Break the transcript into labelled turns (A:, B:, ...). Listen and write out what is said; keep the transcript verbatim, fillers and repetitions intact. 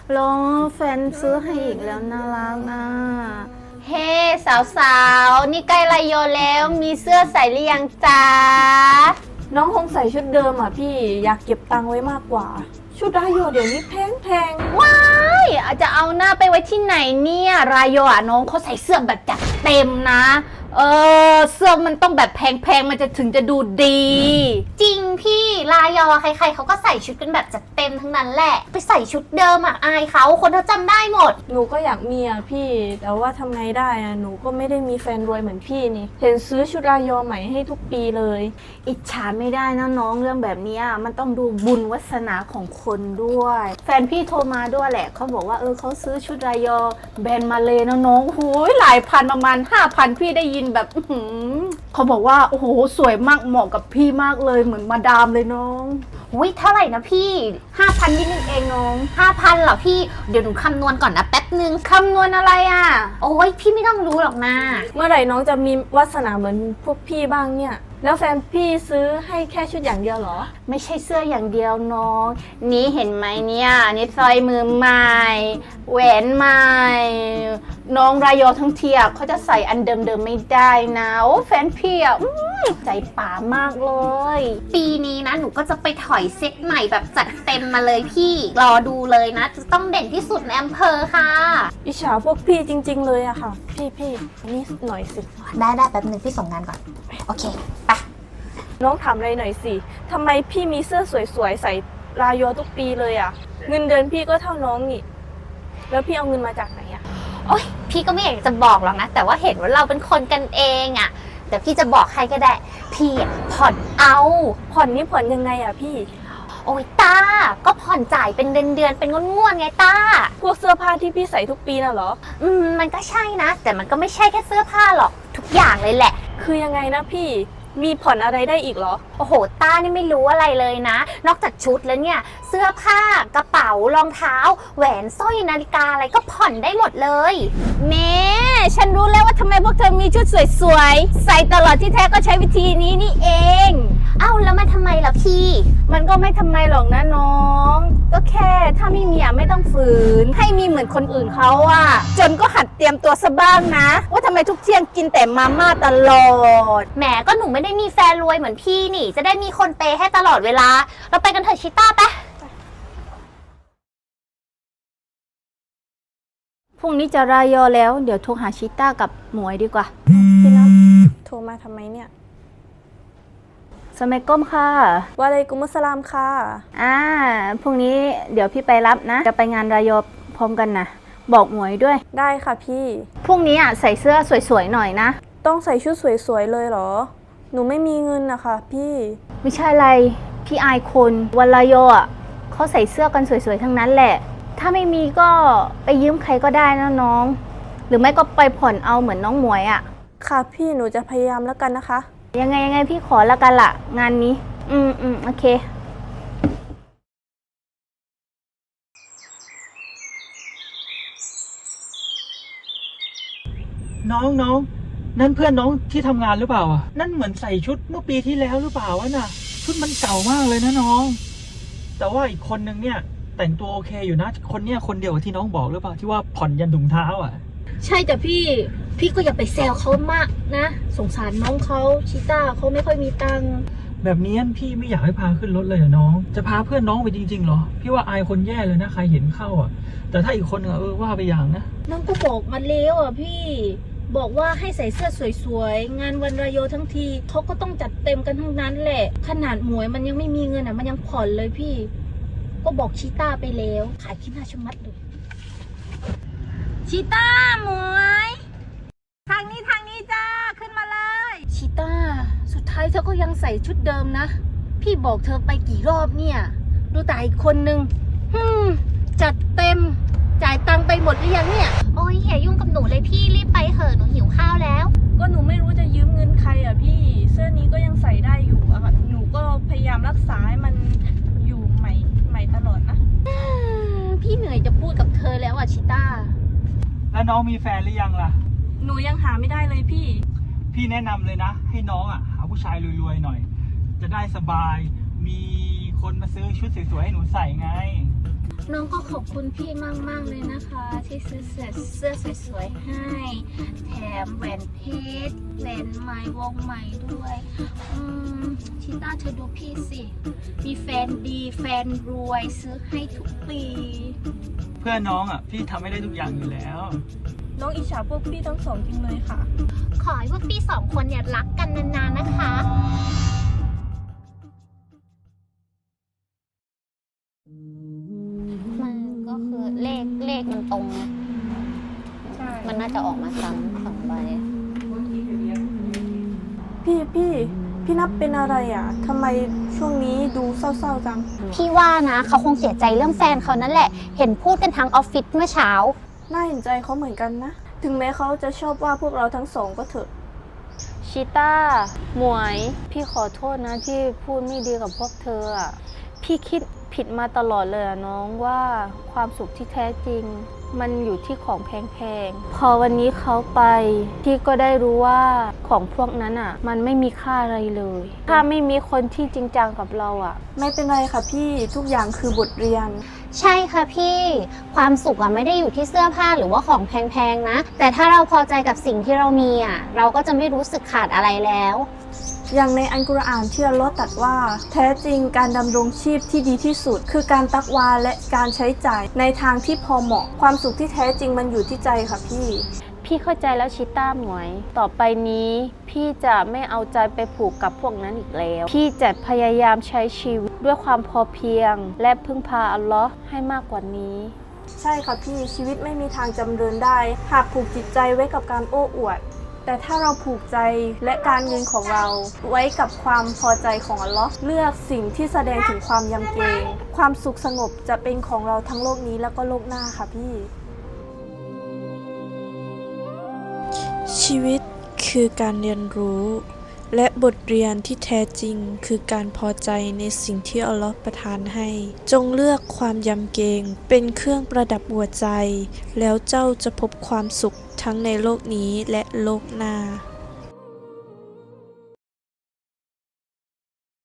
A: รอแฟนซื้อให้อีกแล้วน่ารักนะ
B: เฮ้สาวๆนี่ใกล้รายโยแล้วมีเสื้อใส่หรือยังจ๊ะ
A: น้องคงใส่ชุดเดิมอ่ะพี่อยากเก็บตังค์ไว้มากกว่าชุดรายโยเดี๋ยวนี้แพงแพง
B: ว้ายอาจจะเอาหน้าไปไว้ที่ไหนเนี่ยรายโยอ่ะน้องเขาใส่เสื้อแบบจัดเต็มนะเออเสื้อมันต้องแบบแพงๆมันจะถึงจะดูดี จริงพี่รายอใครๆเขาก็ใส่ชุดกันแบบจัดเต็มทั้งนั้นแหละไปใส่ชุดเดิมอ่ะอายเขาคนเขาจำได้หมด
A: หนูก็อยากมีอ่ะพี่แต่ว่าทำไงได้อ่ะหนูก็ไม่ได้มีแฟนรวยเหมือนพี่นี่เห็นซื้อชุดรายอใหม่ให้ทุกปีเลยอิจฉาไม่ได้นะน้องเรื่องแบบนี้มันต้องดูบุญวาสนาของคนด้วยแฟนพี่โทรมาด้วยแหละเขาบอกว่าเออเขาซื้อชุดรายอแบรนด์มาเลยนะน้องหูยหลายพันประมาณห้าพันพี่ได้ยินแบบเขาบอกว่าโอ้โหสวยมากเหมาะกับพี่มากเลยเหมือนมาดามเลยน้อง
B: วิเท่าไหร่นะพี่ห้าพันนิดนึงเองน้องห้าพันเหรอพี่เดี๋ยวหนูคำนวณก่อนนะแป๊บนึง
A: คำนวณอะไรอ่ะ
B: โอ้ยพี่ไม่ต้องรู้หรอกนะ
A: เมื่อไหร่น้องจะมีวาสนาเหมือนพวกพี่บ้างเนี่ยแล้วแฟนพี่ซื้อให้แค่ชุดอย่างเดียวเหรอ
B: ไม่ใช่เสื้ออย่างเดียวน้องนี้เห็นไหมเนี่ยนี่สร้อยมือใหม่แหวนใหม่น้องรายโยทั้งเทียเขาจะใส่อันเดิมๆไม่ได้นะโอ้แฟนพี่อ่ะใจป่ามากเลยปีนี้นะหนูก็จะไปถอยเซ็ตใหม่แบบจัดเต็มมาเลยพี่รอดูเลยนะจะต้องเด่นที่สุดในอำเภอค่ะ
A: อิจฉาพวกพี่จริงๆเลยอะค่ะพี่พี่นี่หน่อยสิ
B: ได้ได้แป๊บนึงพี่ส่งงานก่อนโอเคไป
A: น้องถามอะไรหน่อยสิทำไมพี่มีเสื้อสวยๆใส่รายโยทุกปีเลยอะเงินเดือนพี่ก็เท่าน้องนี่แล้วพี่เอาเงินมาจากไหนอะ
B: โอ๊ยพี่ก็ไม่อยากจะบอกหรอกนะแต่ว่าเห็นว่าเราเป็นคนกันเองอะแต่พี่จะบอกใครก็ได้พี่ผ่อนเอา
A: ผ่อนนี่ผ่อนยังไงอะพี่
B: โอ้ยตาก็ผ่อนจ่ายเป็นเดือนเดือนเป็นงวดๆไงตา
A: พวกเสื้อผ้าที่พี่ใส่ทุกปีน่ะเหรอ
B: อืมมันก็ใช่นะแต่มันก็ไม่ใช่แค่เสื้อผ้าหรอกทุกอย่างเลยแหละ
A: คือยังไงนะพี่มีผ่อนอะไรได้อีกเหรอ
B: โอ้โหต้านี่ไม่รู้อะไรเลยนะนอกจากชุดแล้วเนี่ยเสื้อผ้ากระเป๋ารองเท้าแหวนสร้อยนาฬิกาอะไรก็ผ่อนได้หมดเลย
A: เมฉันรู้แล้วว่าทำไมพวกเธอมีชุดสวยๆใส่ตลอดที่แท้ก็ใช้วิธีนี้นี่เอง
B: เอ้าแล้วมันทำไมล่ะพี่
A: มันก็ไม่ทำไมหรอกนะน้องก็แค่ถ้าไม่มีอ่ะไม่ต้องฝืนให้มีเหมือนคนอื่นเขาอ่ะจนก็หัดเตรียมตัวซะบ้างนะว่าทำไมทุกเที่ยงกินแต่มาม่าตลอด
B: แหมก็หนูไม่ได้มีแฟนรวยเหมือนพี่นี่จะได้มีคนเปย์ให้ตลอดเวลาเราไปกันเถอะชิต้าไป
A: พรุ่งนี้จะรายอแล้วเดี๋ยวโทรหาชิต้ากับหมวยดีกว่าพี่นัทโทรมาทำไมเนี่ยสมัยก้มค่ะวะอะลัยกุมุสสลามค่ะอ่าพรุ่งนี้เดี๋ยวพี่ไปรับนะจะไปงานรายอพร้อมกันนะบอกหมวยด้วยได้ค่ะพี่พรุ่งนี้อ่ะใส่เสื้อสวยๆหน่อยนะต้องใส่ชุดสวยๆเลยเหรอหนูไม่มีเงินนะคะพี่ไม่ใช่อะไรพี่อายคนวันรายออ่ะเขาใส่เสื้อกันสวยๆทั้งนั้นแหละถ้าไม่มีก็ไปยืมใครก็ได้นะน้องหรือไม่ก็ไปผ่อนเอาเหมือนน้องหมวยอ่ะค่ะพี่หนูจะพยายามแล้วกันนะคะยังไงยังไงพี่ขอแล้วกันล่ะงานนี้อืมอืมโอเค
C: น้องน้องนั่นเพื่อนน้องที่ทำงานหรือเปล่าอ่ะนั่นเหมือนใส่ชุดเมื่อปีที่แล้วหรือเปล่าวะน่ะชุดมันเก่ามากเลยนะน้องแต่ว่าอีกคนนึงเนี่ยแต่งตัวโอเคอยู่นะคนเนี้ยคนเดียวกับที่น้องบอกหรือเปล่าที่ว่าผ่อนยันถุงเท้าอ่ะ
A: ใช่แต่พี่พี่ก็อย่าไปแซวเขามากนะสงสารน้องเขาชิต้าเขาไม่ค่อยมีตังค์
C: แบบนี้พี่ไม่อยากให้พาขึ้นรถเลยเหรอน้องจะพาเพื่อนน้องไปจริงๆเหรอพี่ว่าอายคนแย่เลยนะใครเห็นเข้าอ่ะแต่ถ้าอีกคนเออว่าไปอย่างนะ
A: น้องก็บอกมาแล้วอ่ะพี่บอกว่าให้ใส่เสื้อสวยๆงานวันรายโยทั้งทีเขาก็ต้องจัดเต็มกันทั้งนั้นแหละขนาดหมวยมันยังไม่มีเงินอ่ะมันยังผ่อนเลยพี่ก็บอกชิต้าไปแล้วขายขี้หน้าชะมัดเลยชิต้าหมวยทางนี้ทางนี้จ้าขึ้นมาเลยชิต้าสุดท้ายเธอก็ยังใส่ชุดเดิมนะพี่บอกเธอไปกี่รอบเนี่ยดูแต่อีกคนนึงฮึมจัดเต็มจ่ายตังค์ไปหมดหรือยังเนี่ย
B: โอ้ยอย่ายุ่งกับหนูเลยพี่รีบไปเถอะหนูหิวข้าวแล้ว
A: ก็หนูไม่รู้จะยืมเงินใครอ่ะพี่เสื้อนี้ก็ยังใส่ได้อยู่อะค่ะหนูก็พยายามรักษาให้มันอยู่ใหม่ใหม่ตลอดนะพี่เหนื่อยจะพูดกับเธอแล้วอ่ะชิต้า
C: แล้วน้องมีแฟนหรือยังล่ะ
A: หนูยังหาไม่ได้เลยพี่
C: พี่แนะนำเลยนะให้น้องอ่ะหาผู้ชายรวยๆหน่อยจะได้สบายมีคนมาซื้อชุดสวยๆให้หนูใส่ไง
B: น้องก็ขอบคุณพี่มากๆเลยนะคะ ที่ซื้อเสื้อเสื้อสวยๆให้ แถมแหวนเพชรแหวนใหม่วงใหม่ด้วยอืมชิต้าเธอดูพี่สิ มีแฟนดีแฟนรวยซื้อให้ทุกปี
C: เพื่อนน้องอ่ะพี่ทำให้ได้ทุกอย่างอยู่แล้ว
A: น้องอิจฉาพวกพี่ทั้งสองจริงเลยค่ะ
B: ขอให้พวกพี่สองคนเนี่ยรักกันนานๆนะคะ มันก็คือเลขเลขมันตรงนะ
A: ใช่
B: มันน่าจะออกมาซ้ำสองใบ
A: พี่พี่พี่นับเป็นอะไรอ่ะทำไมช่วงนี้ดูเศร้าๆจัง
B: พี่ว่านะเขาคงเสียใจเรื่องแฟนเขานั่นแหละ เห็นพูดกันทั้งออฟฟิศเมื่อเช้า
A: น่าเห็นใจเขาเหมือนกันนะ ถึงแม้เขาจะชอบว่าพวกเราทั้งสองก็เถอะ
D: ชิต้า หมวย พี่ขอโทษนะที่พูดไม่ดีกับพวกเธออะพี่คิดผิดมาตลอดเลยอะน้องว่าความสุขที่แท้จริง มันอยู่ที่ของแพงๆ พอวันนี้เขาไป พี่ก็ได้รู้ว่าของพวกนั้นอ่ะ มันไม่มีค่าอะไรเลย ถ้าไม่มีคนที่จริงจังกับเราอ่ะ
A: ไม่เป็นไรค่ะพี่ทุกอย่างคือบทเรียน
B: ใช่ค่ะพี่ ความสุขอะไม่ได้อยู่ที่เสื้อผ้าหรือว่าของแพงๆนะ แต่ถ้าเราพอใจกับสิ่งที่เรามีอะเราก็จะไม่รู้สึกขาดอะไรแล้ว
A: อย่างในอัลกุรอานที่อัลเลาะห์ตรัสว่า แท้จริงการดำรงชีพที่ดีที่สุด คือการตักวาและการใช้จ่ายในทางที่พอเหมาะ ความสุขที่แท้จริงมันอยู่ที่ใจค่ะพี่
D: พี่เข้าใจแล้วชิต้าหมวย ต่อไปนี้ พี่จะไม่เอาใจไปผูกกับพวกนั้นอีกแล้ว พี่จะพยายามใช้ชีวิตด้วยความพอเพียง และพึ่งพาอัลลอฮ์ให้มากกว่านี้
A: ใช่ค่ะพี่ชีวิตไม่มีทางจำเริญได้ หากผูกจิตใจไว้กับการโอ้อวด แต่ถ้าเราผูกใจและการเงินของเราไว้กับความพอใจของอัลลอฮ์เลือกสิ่งที่แสดงถึงความยำเกรงความสุขสงบจะเป็นของเราทั้งโลกนี้แล้วก็โลกหน้าค่ะพี่
E: ชีวิตคือการเรียนรู้ และบทเรียนที่แท้จริงคือการพอใจในสิ่งที่อัลลอฮ์ประทานให้ จงเลือกความยำเกรงเป็นเครื่องประดับหัวใจ แล้วเจ้าจะพบความสุขทั้งในโลกนี้และโลกหน้า